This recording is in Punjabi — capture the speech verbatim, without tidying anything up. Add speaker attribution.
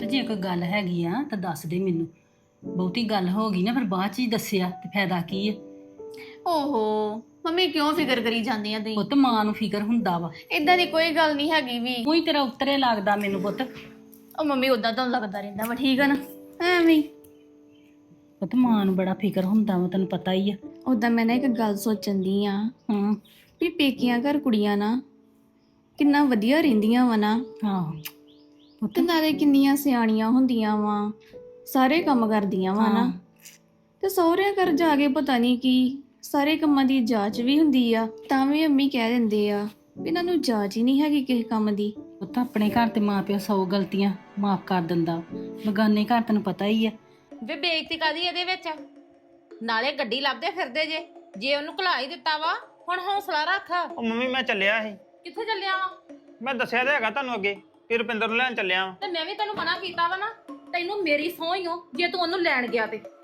Speaker 1: ਤੇ ਜੇ ਕੋਈ ਗੱਲ ਹੈਗੀ ਆ ਤਾਂ ਦੱਸ ਦੇ ਮੈਨੂੰ। ਬਹੁਤੀ ਗੱਲ ਹੋ ਗਈ ਨਾ ਫਿਰ ਬਾਅਦ ਚ ਹੀ ਦੱਸਿਆ ਤੇ ਫਾਇਦਾ ਕੀ ਆ।
Speaker 2: ਓਹੋ ਮੰਮੀ ਕਿਉਂ ਫਿਕਰ ਕਰੀ ਜਾਂਦੀ ਆ ਤੁਸੀਂ?
Speaker 1: ਪੁੱਤ ਮਾਂ ਨੂੰ ਫਿਕਰ ਹੁੰਦਾ ਵਾ।
Speaker 2: ਇਦਾਂ ਦੀ ਕੋਈ ਗੱਲ ਨਹੀਂ ਹੈਗੀ ਵੀ।
Speaker 1: ਤੂੰ ਹੀ ਤੇਰਾ ਉੱਤਰੇ ਲੱਗਦਾ ਮੈਨੂੰ ਪੁੱਤ।
Speaker 2: ਉਹ ਮੰਮੀ ਉਦਾਂ ਤੁਹਾਨੂੰ ਲੱਗਦਾ ਰਹਿੰਦਾ ਵਾ, ਠੀਕ ਆ ਨਾ, ਐਵੇਂ ਹੀ।
Speaker 1: ਪੁੱਤ ਮਾਂ ਨੂੰ ਬੜਾ ਫਿਕਰ ਹੁੰਦਾ ਵਾ, ਤੈਨੂੰ ਪਤਾ ਹੀ ਆ।
Speaker 2: ਉਦਾਂ ਮੈਂ ਨਾ ਇੱਕ ਗੱਲ ਸੋਚਣ ਦੀ ਆ
Speaker 1: ਹਾਂ
Speaker 2: ਵੀ ਪੇਕੀਆਂ ਘਰ ਕੁੜੀਆਂ ਨਾ ਕਿੰਨਾ ਵਧੀਆ ਰਹਿੰਦੀਆਂ ਵਾ ਨਾ,
Speaker 1: ਆਹੋ ਪੁੱਤ।
Speaker 2: ਤੇ ਨਾਲੇ ਕਿੰਨੀਆਂ ਸਿਆਣੀਆਂ ਹੁੰਦੀਆਂ ਵਾ, ਸਾਰੇ ਕੰਮ ਕਰਦੀਆਂ ਵਾ ਨਾ। ਤੇ ਸਹੁਰਿਆਂ ਘਰ ਜਾ ਕੇ ਪਤਾ ਨਹੀਂ ਕੀ ਸਾਰੇ ਕੰਮਾਂ ਦੀ ਜਾਂਚ ਵੀ ਹੁੰਦੀ ਆ, ਤਾਂ ਵੀ ਅੰਮੀ ਕਹਿ ਦਿੰਦੇ ਆ ਵੀ ਇਹਨਾਂ ਨੂੰ ਜਾਂਚ ਹੀ ਨਹੀਂ ਹੈਗੀ ਕਿਸੇ ਕੰਮ ਦੀ।
Speaker 1: ਪੁੱਤ ਆਪਣੇ ਘਰ ਤੇ ਮਾਂ ਪਿਓ ਸੌ ਗਲਤੀਆਂ ਮਾਫ ਕਰ ਦਿੰਦਾ, ਬਗਾਨੇ ਘਰ ਤੈਨੂੰ ਪਤਾ ਹੀ ਆ।
Speaker 3: ਵੇ ਬੇਇੱਜ਼ਤੀ ਕਾਦੀ ਇਹਦੇ ਵਿੱਚ? ਨਾਲੇ ਗੱਡੀ ਲੱਭਦੇ ਫਿਰਦੇ ਜੇ ਜੇ ਉਹਨੂੰ ਘਲਾ ਹੀ ਦਿੱਤਾ ਵਾ, ਹੁਣ ਹੌਸਲਾ ਰੱਖ।
Speaker 4: ਉਹ ਮੰਮੀ ਮੈਂ ਚੱਲਿਆ ਸੀ।
Speaker 3: ਕਿੱਥੇ ਚੱਲਿਆ ਵਾ?
Speaker 4: ਮੈਂ ਦੱਸਿਆ ਤਾਂ ਹੈਗਾ ਤੁਹਾਨੂੰ ਅੱਗੇ ਕਿ ਰੁਪਿੰਦਰ ਨੂੰ ਲੈਣ ਚੱਲਿਆ ਵਾਂ।
Speaker 3: ਤੇ ਮੈਂ ਵੀ ਤੈਨੂੰ ਮਨਾ ਕੀਤਾ ਵਾ ਨਾ, ਤੈਨੂੰ ਮੇਰੀ ਸਹੁੰ ਹੀ ਓ ਜੇ ਤੂੰ ਉਹਨੂੰ ਲੈਣ ਗਿਆ ਤੇ।